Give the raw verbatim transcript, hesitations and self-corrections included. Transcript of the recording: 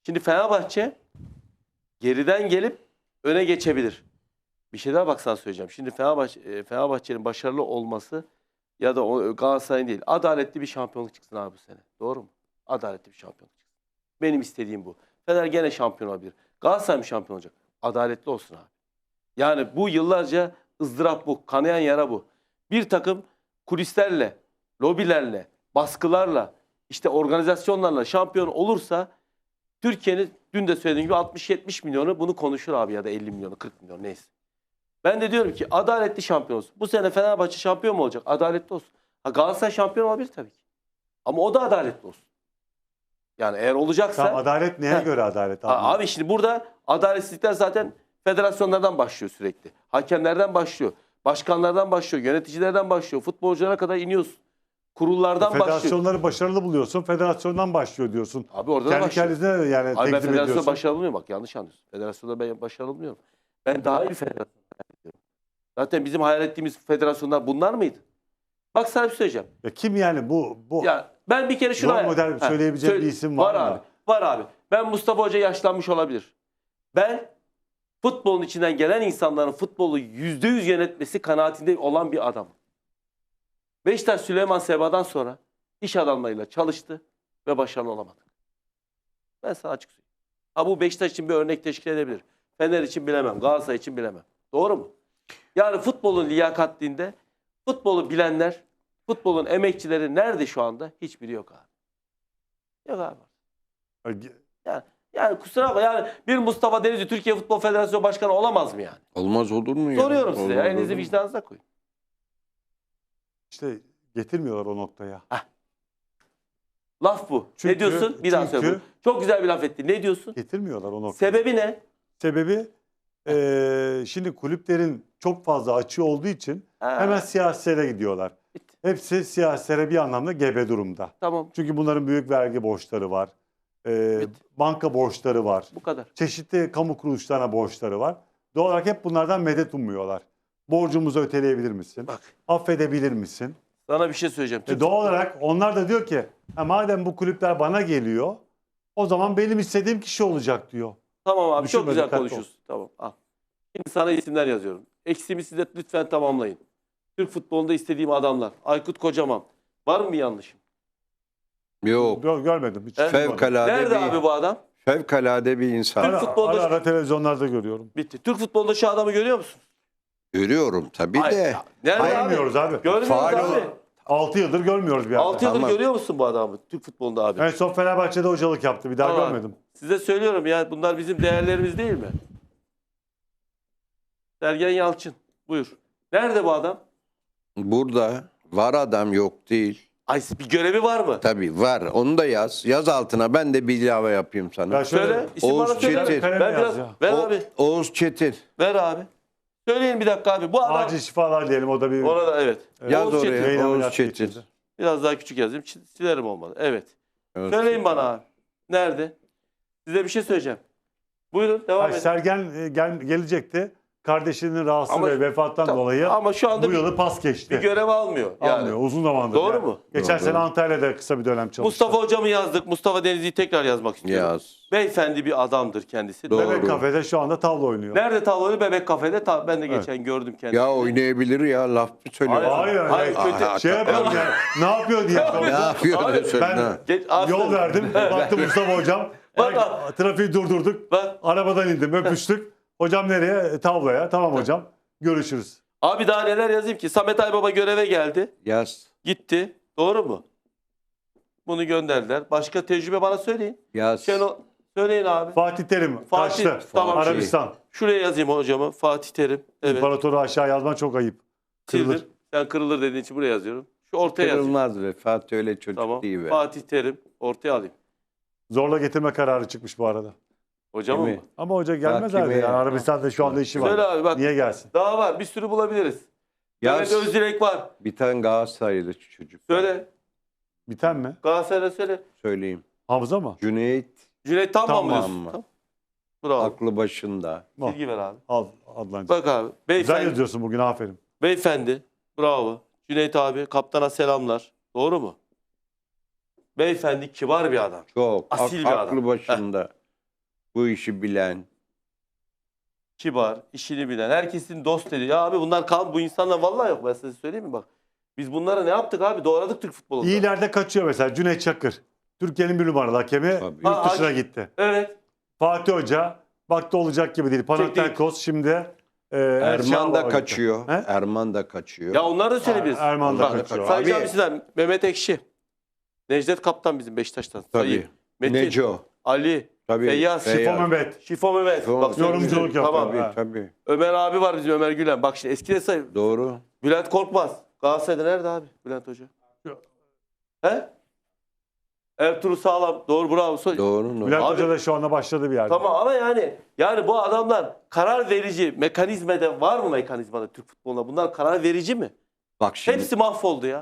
Şimdi Fenerbahçe geriden gelip öne geçebilir. Bir şey daha bak sana söyleyeceğim. Şimdi Fenerbahçe, Fenerbahçe'nin başarılı olması ya da o Galatasaray'ın değil. Adaletli bir şampiyonluk çıksın abi bu sene. Doğru mu? Adaletli bir şampiyonluk çıksın. Benim istediğim bu. Fener gene şampiyon olabilir. Galatasaray mı şampiyon olacak? Adaletli olsun abi. Yani bu yıllarca ızdırap bu. Kanayan yara bu. Bir takım kulislerle, lobilerle, baskılarla, işte organizasyonlarla şampiyon olursa Türkiye'nin dün de söylediğim gibi altmış yetmiş milyonu bunu konuşur abi ya da elli milyonu, kırk milyon neyse. Ben de diyorum ki adaletli şampiyon olsun. Bu sene Fenerbahçe şampiyon mu olacak? Adaletli olsun. Ha, Galatasaray şampiyon olabilir tabii ki. Ama o da adaletli olsun. Yani eğer olacaksa... Tamam, adalet neye Heh. göre adalet? Ha, abi şimdi burada adaletsizlikler zaten federasyonlardan başlıyor sürekli. Hakemlerden başlıyor. Başkanlardan başlıyor. Yöneticilerden başlıyor. Futbolculara kadar iniyorsun. Kurullardan başlıyor. Federasyonları başarılı buluyorsun. Federasyondan başlıyor diyorsun. Abi orada da Kendi başlıyor. kendine yani Abi ben tekzip federasyonda ediyorsun. başarılı bulmuyorum. Bak yanlış anlıyorsun. Federasyonda ben başarılı bulmuyorum. Ben daha iyi bir federasyon hayal ediyorum. Zaten bizim hayal ettiğimiz federasyonlar bunlar mıydı? Bak sana bir şey söyleyeceğim. Ya kim yani bu bu Ya ben bir kere şunu rol hayal- model Ha, söyleyebileceğim söyle- bir isim var, var mı? abi. Var abi. Ben Mustafa Hoca yaşlanmış olabilir. Ben futbolun içinden gelen insanların futbolu yüzde yüz yönetmesi kanaatinde olan bir adamım. Beşiktaş Süleyman Seba'dan sonra iş adamlarıyla çalıştı ve başarılı olamadı. Ben sana açık söyleyeyim. Ha, bu Beşiktaş için bir örnek teşkil edebilir. Fener için bilemem. Galatasaray için bilemem. Doğru mu? Yani futbolun liyakatliğinde futbolu bilenler, futbolun emekçileri nerede şu anda? Hiçbiri yok abi. Yok abi. Yani, yani kusura bakma, yani bir Mustafa Denizli Türkiye Futbol Federasyonu Başkanı olamaz mı yani? Olmaz olur mu ya? Soruyorum size. Olur, Ya, olur elinizi mu? vicdanınıza koyun. İşte getirmiyorlar o noktaya. Laf bu. Çünkü- ne diyorsun? Bir daha çünkü- söyle. Çok güzel bir laf ettin. Ne diyorsun? Getirmiyorlar o noktaya. Sebebi ne? Sebebi eee, şimdi kulüplerin çok fazla açığı olduğu için Ha, hemen siyasilere gidiyorlar. bitti. Hepsi siyasilere bir anlamda gebe durumda. Tamam. Çünkü bunların büyük vergi borçları var. Eee, Bitti. banka borçları var. Bu kadar. Çeşitli kamu kuruluşlarına borçları var. Doğal olarak hep bunlardan medet ummuyorlar. Borcumuzu öteleyebilir misin? Bak. Affedebilir misin? Sana bir şey söyleyeceğim. E Türk doğal olarak onlar da diyor ki "Ha, madem bu kulüpler bana geliyor o zaman benim istediğim kişi olacak" diyor. Tamam abi, Düşünme, çok güzel dikkatli ol. konuşuyorsun. Tamam, al. Şimdi sana isimler yazıyorum. Eksimi size lütfen tamamlayın. Türk futbolunda istediğim adamlar. Aykut Kocaman. Var mı bir yanlışım? Yok. Gör- görmedim. Hiç Evet. duymadım. Fevkalade Nerede bir, abi bu adam? fevkalade bir insan. Ara, futbolda- ara, ara televizyonlarda görüyorum. Bitti. Türk futbolunda şu adamı görüyor musun? Görüyorum tabii Hayır, de. ya, nerede abi? Görmüyoruz abi. Görmüyoruz Faal abi. o- altı yıldır görmüyoruz bir altı yıldır Tamam. görüyor musun bu adamı? Türk futbolunda abi. En son Fenerbahçe'de hocalık yaptı. Bir daha Tamam. görmedim. Size söylüyorum ya, bunlar bizim değerlerimiz değil mi? Sergen Yalçın. Buyur. Nerede bu adam? Burada var adam, yok değil. Ay, bir görevi var mı? Tabii var. Onu da yaz. Yaz altına, ben de bir ilave yapayım sana. Ya şöyle, Söyle. İsim Oğuz bana söyle. Çetin. Ben Kalem biraz... yaz ya. Ver O- abi. Oğuz Çetin. Ver abi. Söyleyin bir dakika abi. Bu adam... acil şifalar diyelim o da bir Orada evet. Yaz Oğuz oraya. Çetin. beyin Oğuz ameliyatı Çetin. geçirdi. Biraz daha küçük yazayım. Ç- Silerim olmadı. Evet. Oğuz Söyleyin Çetin. bana abi. Nerede? Size bir şey söyleyeceğim. Buyurun devam Hayır, edin. Sergen e, gel, gelecekti. Kardeşinin rahatsız Ama- ve vefattan Tamam. dolayı Ama şu anda bu bir, yılı pas geçti. bir görev almıyor. Yani. Almıyor. Uzun zamandır. Doğru yani. mu? Geçen Doğru. sene Antalya'da kısa bir dönem çalıştı. Mustafa hocamı yazdık. Mustafa Denizli'yi tekrar yazmak istiyorum. Yaz. Beyefendi bir adamdır kendisi. Doğru. Bebek kafede şu anda tavla oynuyor. Nerede tavlanı? Bebek kafede. Ta- ben de Evet. geçen gördüm kendisini. Ya oynayabilir ya, laf mı söylüyor? Hayır, Hayır, hayır. kötü. Aa, Şey yapalım ya. Ne yapıyor diye Ne sordum. yapıyor Abi, öyle söyle, ben- ha? Geç, aferin. Yol verdim. Baktım Mustafa hocam. Bak Ay, abi. trafiği durdurduk. Bak. Arabadan indim. Öpüştük. Hocam nereye? E, Tavlaya. Tamam hocam. Görüşürüz. Abi daha neler yazayım ki? Samet Aybaba göreve geldi. Yaz. Gitti. Doğru mu? Bunu gönderdiler. Başka tecrübe bana söyleyin. Yaz. Şenol, söyleyin abi. Fatih Terim. Fatih, Kaçtı. tamam. Arabistan. Şuraya yazayım hocamı. Fatih Terim. Evet. İmparatoru aşağı yazman çok ayıp. Kırılır. Sildir. Sen kırılır dediğin için buraya yazıyorum. Şu ortaya yazayım. Kırılmaz be. Fatih öyle çocuk Tamam. değil be. Fatih Terim. Ortaya alayım. Zorla getirme kararı çıkmış bu arada. Hocamın Değil mı? mi? Ama hoca gelmez Bak abi. gibi Yani ya. Arabistan'da şu anda işi var. Söyle abi bak. Niye gelsin? Daha var. Bir sürü bulabiliriz. Yaz. Mehmet Özdilek var. Bir tane Galatasaraylı çocuk. var. Söyle. Biten mi? Galatasaray'a söyle. Söyleyeyim. Hamza mı? Cüneyt Cüneyt Tamam Tamam mı diyorsun? mı? Tamam. Bravo. aklı başında. Al, Bilgi ver abi. al Adlancığım. Bak abi. Güzel Beyefendi. yazıyorsun bugün, aferin. Beyefendi. Bravo. Cüneyt abi. Kaptana selamlar. Doğru mu? Beyefendi kibar bir adam. Çok. Asil ak- bir adam. aklı başında. Bu işi bilen. Kibar, işini bilen, herkesin dost dediği. Ya abi bunlar kal bu insanlar vallahi yok, ben size söyleyeyim mi bak. Biz bunlara ne yaptık abi? Doğradık Türk futbolunda. İyilerde kaçıyor mesela Cüneyt Çakır. Türkiye'nin bir numaralı hakemi Tabii. yurt Ha, dışına hakim- gitti. Evet. Fatih Hoca baktı olacak gibi değil. Panathinaikos şimdi e, Erman Erşenbağ'a da gitti. kaçıyor. He? Erman da kaçıyor. Ya onlar da söyleyebiliriz. Er- Erman da Bak, kaçıyor. Sayacağım Abi- size Mehmet Ekşi. Necdet Kaptan bizim Beşiktaş'tan. Tabii. Sayayım. Metin, Neco. Ali, Tabii. Feyyaz, Şifo Mehmet. Şifo Mehmet. Şifo- Bak, Yorumculuk söyleyeyim. yapıyor. Tamam. Tabii, Ha. tabii. Ömer abi var bizim, Ömer Gülen. Bak şimdi eski de say. Doğru. Bülent Korkmaz. Galatasaray'da nerede abi Bülent Hoca? Yok. He? Ertuğrul Sağlam. Doğru, bravo. So- Doğru. doğru. Bülent Abi- Hoca da şu anda başladı bir yerde. Tamam ama yani yani bu adamlar karar verici mekanizmada var mı mekanizmada Türk futbolunda? Bunlar karar verici mi? Bak şimdi. Hepsi mahvoldu ya.